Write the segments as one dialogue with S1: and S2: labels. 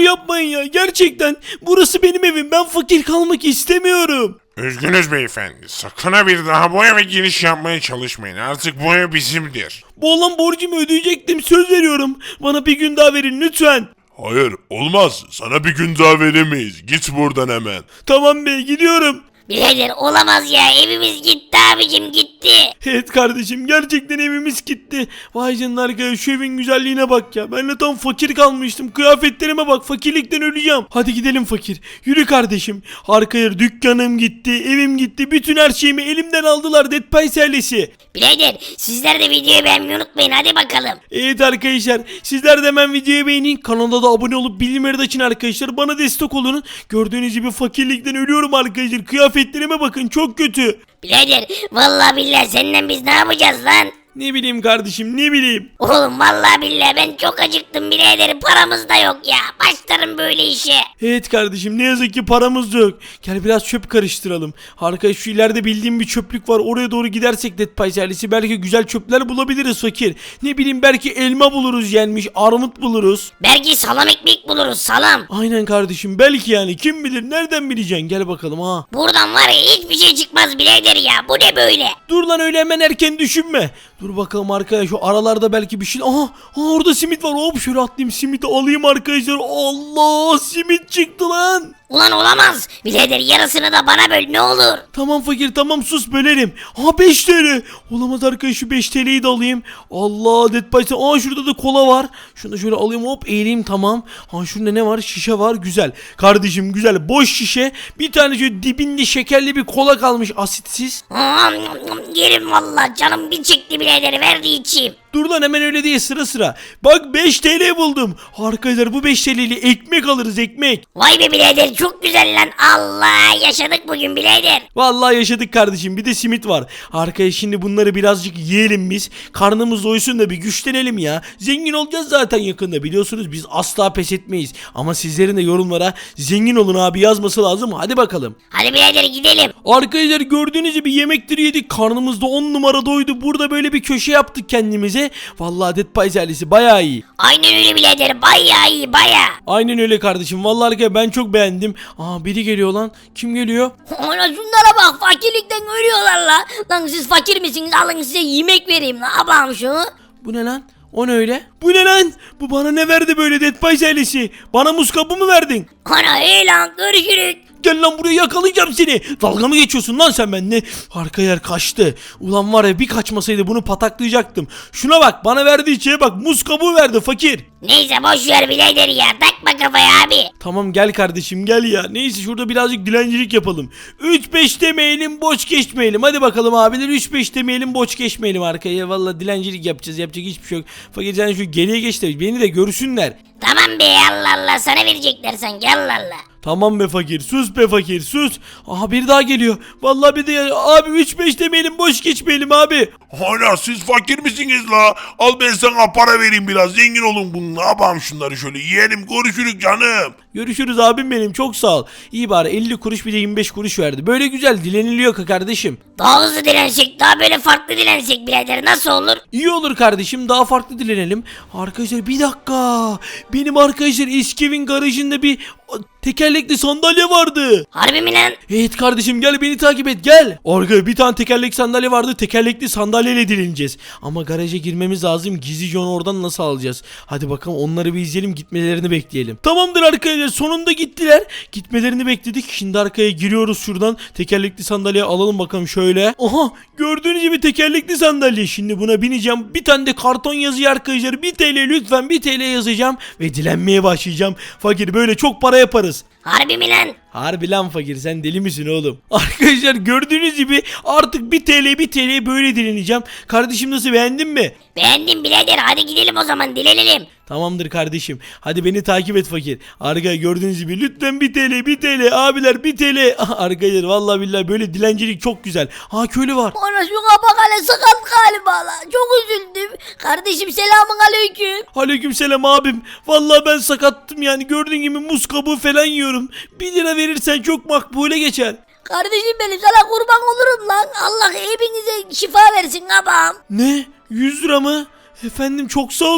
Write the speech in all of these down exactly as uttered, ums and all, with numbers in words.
S1: yapmayın ya. Gerçekten burası benim evim. Ben fakir kalmak istemiyorum.
S2: Üzgünüz beyefendi. Sakın ha bir daha bu eve giriş yapmaya çalışmayın. Artık bu ev bizimdir.
S1: Bu olan borcumu ödeyecektim. Söz veriyorum. Bana bir gün daha verin lütfen.
S2: Hayır, olmaz. Sana bir gün daha veremeyiz. Git buradan hemen.
S1: Tamam bey, gidiyorum.
S3: Birader olamaz ya, evimiz gitti abicim, gitti.
S1: Evet kardeşim, gerçekten evimiz gitti. Vay canına arkadaş, şu evin güzelliğine bak ya. Ben de tam fakir kalmıştım. Kıyafetlerime bak, fakirlikten öleceğim. Hadi gidelim fakir. Yürü kardeşim. Arkaya dükkanım gitti, evim gitti. Bütün her şeyimi elimden aldılar Dead Pies ailesi.
S3: Birader sizler de videoyu beğenmeyi unutmayın, hadi bakalım.
S1: Evet arkadaşlar, sizler de hemen videoyu beğenin. Kanala da abone olup bildirimleri de açın arkadaşlar. Bana destek olun. Gördüğünüz gibi fakirlikten ölüyorum arkadaşlar. Kıyafetlerime bakın, çok kötü.
S3: Birader vallahi billahi senden biz ne yapacağız lan?
S1: Ne bileyim kardeşim, ne bileyim.
S3: Oğlum vallahi billahi ben çok acıktım birader, paramız da yok ya. Başlarım böyle işe.
S1: Evet kardeşim, ne yazık ki paramız da yok. Gel biraz çöp karıştıralım. Arkadaş şu ileride bildiğim bir çöplük var. Oraya doğru gidersek Dead Pies ailesi belki güzel çöpler bulabiliriz fakir. Ne bileyim, belki elma buluruz yenmiş, armut buluruz.
S3: Belki salam ekmek buluruz, salam.
S1: Aynen kardeşim, belki yani, kim bilir, nereden bileceksin, gel bakalım ha.
S3: Buradan var ya hiçbir şey çıkmaz birader ya, bu ne böyle?
S1: Dur lan, öyle hemen erken düşünme. Dur bakalım arkadaş, şu aralarda belki bir şey. Aha, aha orada simit var. Hop şöyle atlayayım, simiti alayım arkadaşlar. Allah, simit çıktı lan.
S3: Ulan olamaz. Birader yarısını da bana böl ne olur.
S1: Tamam fakir, tamam, sus, bölerim. Ha, beş T L. Olamaz arkadaş, şu beş T L'yi de alayım. Allah, Dead Pies. Aa, şurada da kola var. Şunu da şöyle alayım, hop eğileyim, tamam. Ha, şurada ne var? Şişe var, güzel. Kardeşim güzel, boş şişe. Bir tane şöyle dibinde şekerli bir kola kalmış, asitsiz.
S3: Aa, yerim valla, canım bir çekti birader, verdi içeyim.
S1: Dur lan, hemen öyle değil, sıra sıra. Bak, beş T L buldum. Arkadaşlar bu beş T L'li ekmek alırız, ekmek.
S3: Vay be birader, çok güzel lan. Allah, yaşadık bugün birader.
S1: Vallahi yaşadık kardeşim, bir de simit var. Arkaya şimdi bunları birazcık yiyelim biz. Karnımız doysun da bir güçlenelim ya. Zengin olacağız zaten yakında, biliyorsunuz biz asla pes etmeyiz. Ama sizlerin de yorumlara zengin olun abi yazması lazım. Hadi bakalım.
S3: Hadi birader gidelim.
S1: Arkadaşlar gördüğünüz gibi yemekleri yedik. Karnımız da on numara doydu. Burada böyle bir köşe yaptık kendimize. Vallahi Dead Pies ailesi bayağı iyi.
S3: Aynen öyle birader, bayağı iyi bayağı.
S1: Aynen öyle kardeşim. Vallahi arkadaşlar ben çok beğendim. Aa, biri geliyor lan. Kim geliyor?
S3: Ona şunlara bak, fakirlikten ölüyorlar la. Lan siz fakir misiniz? Alın size yemek vereyim la. Abam şunu.
S1: Bu ne lan? O ne öyle? Bu ne lan? Bu bana ne verdi böyle Dead Pies ailesi? Bana muz kabuğu mu verdin?
S3: Ana hey lan, görüşürüz.
S1: Gel lan buraya, yakalayacağım seni. Dalga mı geçiyorsun lan sen benimle? Arka yer kaçtı. Ulan var ya, bir kaçmasaydı bunu pataklayacaktım. Şuna bak, bana verdiği şeye bak, muz kabuğu verdi fakir.
S3: Neyse boş ver birader ya, takma kafaya abi.
S1: Tamam gel kardeşim, gel ya. Neyse şurada birazcık dilencilik yapalım. üç beş demeyelim, boş geçmeyelim. Hadi bakalım abiler, üç beş demeyelim, boş geçmeyelim arkaya. Valla dilencilik yapacağız, yapacak hiçbir şey yok. Fakir sen şu geriye geç de beni de görsünler.
S3: Tamam be, Allah Allah, sana verecekler sanki, Allah Allah.
S1: Tamam be fakir, sus be fakir, sus. Aha, bir daha geliyor. Vallahi bir de abi, üç beş demeyelim, boş geçmeyelim abi.
S2: Hala siz fakir misiniz la? Al ben sana para vereyim, biraz zengin olun. Bunu ne yapalım, şunları şöyle yiyelim, görüşürüz canım.
S1: Görüşürüz abim benim, çok sağ ol. İyi bari elli kuruş bir de yirmi beş kuruş verdi. Böyle güzel dileniliyor ka kardeşim.
S3: Daha hızlı dilensek, daha böyle farklı dilensek birader, nasıl olur?
S1: İyi olur kardeşim, daha farklı dilenelim. Arkadaşlar bir dakika. Benim arkadaşlar eski evin garajında bir tekerlekli sandalye vardı.
S3: Harbi mi lan?
S1: Evet kardeşim, gel beni takip et, gel. Orada bir tane tekerlekli sandalye vardı. Tekerlekli sandalyeyle dileneceğiz. Ama garaja girmemiz lazım. Gizlice onu oradan nasıl alacağız? Hadi bakalım, onları bir izleyelim, gitmelerini bekleyelim. Tamamdır arkadaşlar, sonunda gittiler. Gitmelerini bekledik. Şimdi arkaya giriyoruz şuradan. Tekerlekli sandalye alalım bakalım şöyle. Aha, gördüğünüz gibi tekerlekli sandalye. Şimdi buna bineceğim. Bir tane de karton yazıyor arkadaşlar. bir T L, lütfen bir T L yazacağım. Ve dilenmeye başlayacağım. Fakir, böyle çok para yaparız.
S3: Harbi mi lan?
S1: Harbi lan fakir, sen deli misin oğlum? Arkadaşlar gördüğünüz gibi artık bir T L bir T L böyle dileneceğim. Kardeşim nasıl, beğendin mi?
S3: Beğendim birader, hadi gidelim o zaman, dilenelim.
S1: Tamamdır kardeşim. Hadi beni takip et fakir. Arkadaşlar gördüğünüz gibi lütfen bir T L bir T L abiler, bir T L. Arkadaşlar vallahi billahi böyle dilencilik çok güzel. Ha, köylü var.
S3: Ona şu kapak hele sakat galiba la. Çok üzüldüm. Kardeşim selamun aleyküm.
S1: Aleykümselam abim. Vallahi ben sakattım yani, gördüğün gibi muz kabuğu falan yiyorum. bir lira verirsen çok makbule geçer.
S3: Kardeşim benim, sana kurban olurum lan. Allah hepinize şifa versin abam.
S1: Ne? yüz lira mı? Efendim çok sağ olun.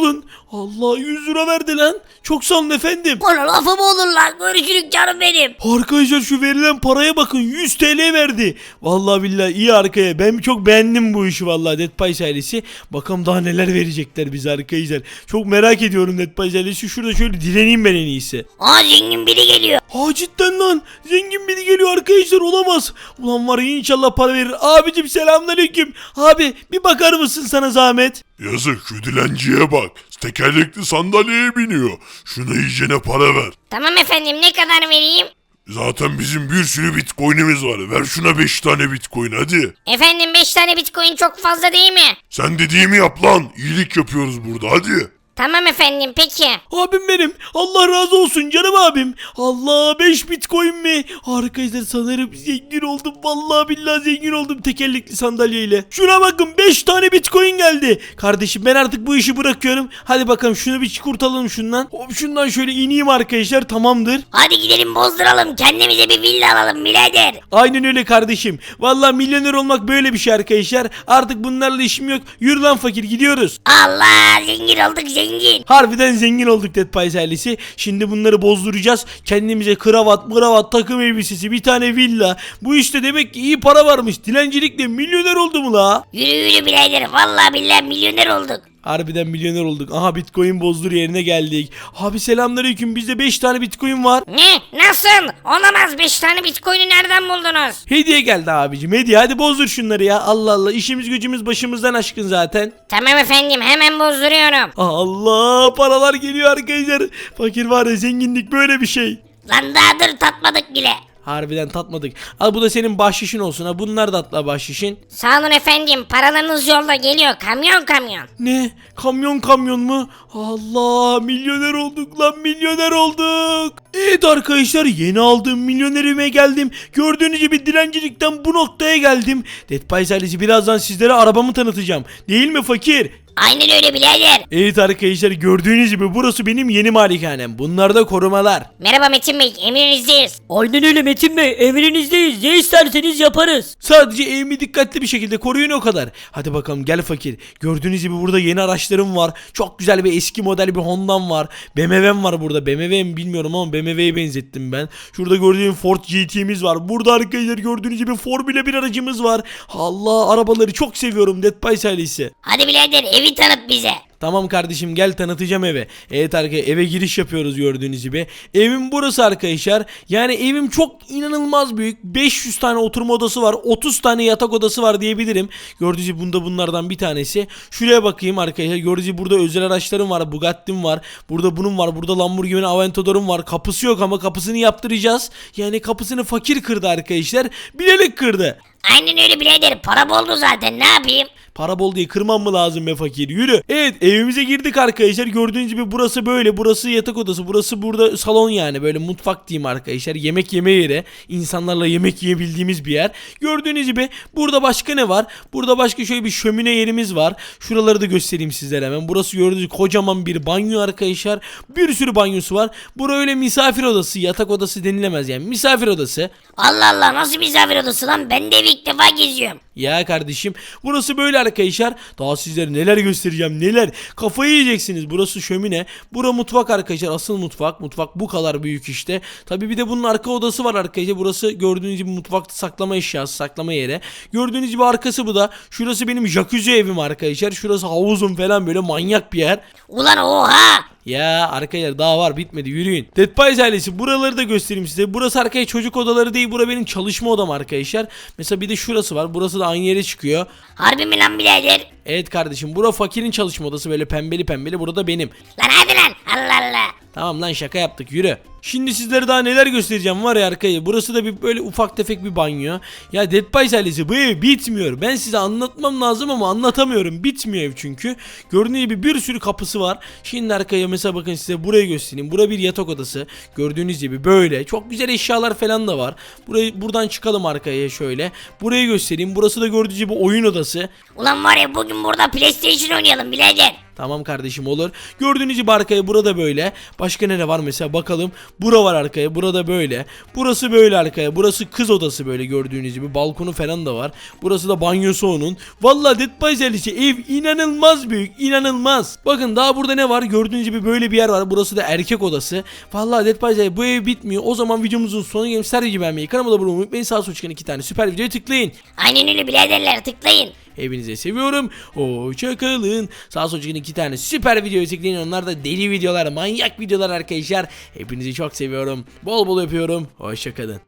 S1: Allah yüz lira verdi lan. Çok sağ olun efendim.
S3: Ona lafı mı olur lan? Görüşürük canım benim.
S1: Arkadaşlar şu verilen paraya bakın, yüz T L verdi. Vallahi billahi iyi arkaya. Ben çok beğendim bu işi vallahi Dead Pies ailesi. Bakalım daha neler verecekler bize arkadaşlar. Çok merak ediyorum Dead Pies ailesi. Şurada şöyle dileneyim ben en iyisi.
S3: Aa zengin biri geliyor.
S1: Ha cidden lan. Zengin biri geliyor arkadaşlar, olamaz. Ulan var ya, inşallah para verir. Abicim selamünaleyküm. Abi bir bakar mısın sana zahmet?
S2: Yazık şu dilenciye bak. Tekerlekli sandalyeye biniyor. Şuna iyicene para ver.
S3: Tamam efendim, ne kadar vereyim?
S2: Zaten bizim bir sürü bitcoin'imiz var. Ver şuna beş tane bitcoin hadi.
S3: Efendim beş tane bitcoin çok fazla değil mi?
S2: Sen dediğimi yap lan. İyilik yapıyoruz burada hadi.
S3: Tamam efendim, peki.
S1: Abim benim. Allah razı olsun canım abim. Allah, beş bitcoin mi? Arkadaşlar sanırım zengin oldum. Vallahi billahi zengin oldum tekerlekli sandalyeyle. Şuna bakın, beş tane bitcoin geldi. Kardeşim ben artık bu işi bırakıyorum. Hadi bakalım şunu bir kurtaralım şundan. Hop şundan şöyle ineyim arkadaşlar, tamamdır.
S3: Hadi gidelim bozduralım, kendimize bir villa alalım birader.
S1: Aynen öyle kardeşim. Vallahi milyoner olmak böyle bir şey arkadaşlar. Artık bunlarla işim yok. Yürü lan fakir, gidiyoruz.
S3: Allah, zengin olduk zengin.
S1: Harbiden zengin olduk Dead Pies ailesi. Şimdi bunları bozduracağız. Kendimize kravat, mıravat, takım elbisesi, bir tane villa. Bu işte demek ki iyi para varmış. Dilencilikle milyoner oldu mu la?
S3: Yürü yürü birader, vallahi billahi milyoner olduk.
S1: Harbiden milyoner olduk. Aha bitcoin bozdur yerine geldik. Abi selamünaleyküm. Bizde beş tane bitcoin var.
S3: Ne? Nasıl? Olamaz, beş tane bitcoin'i nereden buldunuz?
S1: Hediye geldi abicim. Hediye, hadi bozdur şunları ya. Allah Allah, işimiz gücümüz başımızdan aşkın zaten.
S3: Tamam efendim, hemen bozduruyorum.
S1: Allah, paralar geliyor arkadaşlar. Fakir var ya, zenginlik böyle bir şey.
S3: Lan daha dur, tatmadık bile.
S1: Harbiden tatmadık. Al, bu da senin bahşişin olsun ha. Bunlar da atla bahşişin.
S3: Sağ olun efendim, paralarınız yolda geliyor, kamyon kamyon.
S1: Ne? Kamyon kamyon mu? Allah, milyoner olduk lan, milyoner olduk. Evet arkadaşlar, yeni aldığım milyonerime geldim. Gördüğünüz gibi dilencilikten bu noktaya geldim. Dead Pies ailesi, birazdan sizlere arabamı tanıtacağım. Değil mi fakir?
S3: Aynen öyle birader.
S1: Evet arkadaşlar, gördüğünüz gibi burası benim yeni malikanem. Bunlar da korumalar.
S3: Merhaba Metin Bey, emrinizdeyiz.
S4: Aynen öyle Metin Bey, emrinizdeyiz. Ne isterseniz yaparız.
S1: Sadece evimi dikkatli bir şekilde koruyun, o kadar. Hadi bakalım gel fakir. Gördüğünüz gibi burada yeni araçlarım var. Çok güzel bir eski model bir Honda'm var. B M W'm var burada. B M W mi bilmiyorum ama B M W'ye benzettim ben. Şurada gördüğüm Ford G T'miz var. Burada arkadaşlar gördüğünüz gibi Formula bir aracımız var. Allah, arabaları çok seviyorum Dead Pies ailesi.
S3: Hadi birader, evi tanıt bize.
S1: Tamam kardeşim, gel tanıtacağım eve. Evet arkadaşlar, eve giriş yapıyoruz gördüğünüz gibi. Evim burası arkadaşlar. Yani evim çok inanılmaz büyük. beş yüz tane oturma odası var. otuz tane yatak odası var diyebilirim. Gördüğünüz gibi bunda bunlardan bir tanesi. Şuraya bakayım arkadaşlar. Gördüğünüz gibi burada özel araçlarım var. Bugatti'm var. Burada bunun var. Burada Lamborghini Aventador'um var. Kapısı yok ama kapısını yaptıracağız. Yani kapısını fakir kırdı arkadaşlar. Bilerek kırdı.
S3: Aynen öyle birader, para boldu zaten, ne yapayım?
S1: Para bol diye kırmam mı lazım be fakir? Yürü. Evet, evimize girdik arkadaşlar. Gördüğünüz gibi burası böyle. Burası yatak odası. Burası burada salon, yani böyle mutfak diyeyim arkadaşlar. Yemek yeme yeri. İnsanlarla yemek yiyebildiğimiz bir yer. Gördüğünüz gibi burada başka ne var? Burada başka şöyle bir şömine yerimiz var. Şuraları da göstereyim sizlere hemen. Burası gördüğünüz gibi kocaman bir banyo arkadaşlar. Bir sürü banyosu var. Bura öyle misafir odası. Yatak odası denilemez yani. Misafir odası.
S3: Allah Allah, nasıl misafir odası lan? Ben de evi ilk defa geziyorum.
S1: Ya kardeşim, burası böyle arkadaşlar. Daha sizlere neler göstereceğim, neler. Kafayı yiyeceksiniz. Burası şömine. Bura mutfak arkadaşlar. Asıl mutfak. Mutfak bu kadar büyük işte. Tabi bir de bunun arka odası var arkadaşlar. Burası gördüğünüz gibi mutfakta saklama eşyası, saklama yeri. Gördüğünüz gibi arkası bu da. Şurası benim jacuzzi evim arkadaşlar. Şurası havuzum falan, böyle manyak bir yer.
S3: Ulan oha!
S1: Ya arkadaşlar daha var, bitmedi, yürüyün. Dead Pies ailesi, buraları da göstereyim size. Burası arkadaşlar çocuk odaları değil, bura benim çalışma odam arkadaşlar. Mesela bir de şurası var, burası da aynı yere çıkıyor.
S3: Harbi mi lan birader?
S1: Evet kardeşim, bura fakirin çalışma odası, böyle pembeli pembeli, burada benim.
S3: Lan hadi lan, Allah Allah.
S1: Tamam lan, şaka yaptık, yürü. Şimdi sizlere daha neler göstereceğim var ya arkadaşlar. Burası da bir böyle ufak tefek bir banyo. Ya Dead Pies ailesi, bu ev bitmiyor. Ben size anlatmam lazım ama anlatamıyorum. Bitmiyor ev çünkü. Gördüğünüz gibi bir sürü kapısı var. Şimdi arkaya mesela bakın, size burayı göstereyim. Bura bir yatak odası. Gördüğünüz gibi böyle. Çok güzel eşyalar falan da var. Burayı, buradan çıkalım arkaya şöyle. Burayı göstereyim. Burası da gördüğünüz gibi oyun odası.
S3: Ulan var ya, bugün burada PlayStation oynayalım birader.
S1: Tamam kardeşim, olur. Gördüğünüz gibi arkaya burada böyle. Başka nere var mesela, bakalım. Bura var arkaya. Burada böyle. Burası böyle arkaya. Burası kız odası böyle gördüğünüz gibi. Balkonu falan da var. Burası da banyosu onun. Vallahi Dead by Daylight'e ev inanılmaz büyük. İnanılmaz. Bakın daha burada ne var? Gördüğünüz gibi böyle bir yer var. Burası da erkek odası. Vallahi Dead by Daylight bu ev bitmiyor. O zaman videomuzun sonuna gelip her gibi beğenmeyi, kanalıma da abone olmayı unutmayın. Sağ sol çıkan iki tane süper videoya tıklayın.
S3: Aynen öyle biraderler, tıklayın.
S1: Hepinize seviyorum. Hoşçakalın. Sağ sol çıkan iki tane süper videoyu tıklayın. Onlar da deli videolar, manyak videolar arkadaşlar. Hepinizi çok seviyorum. Bol bol öpüyorum. Hoşçakalın.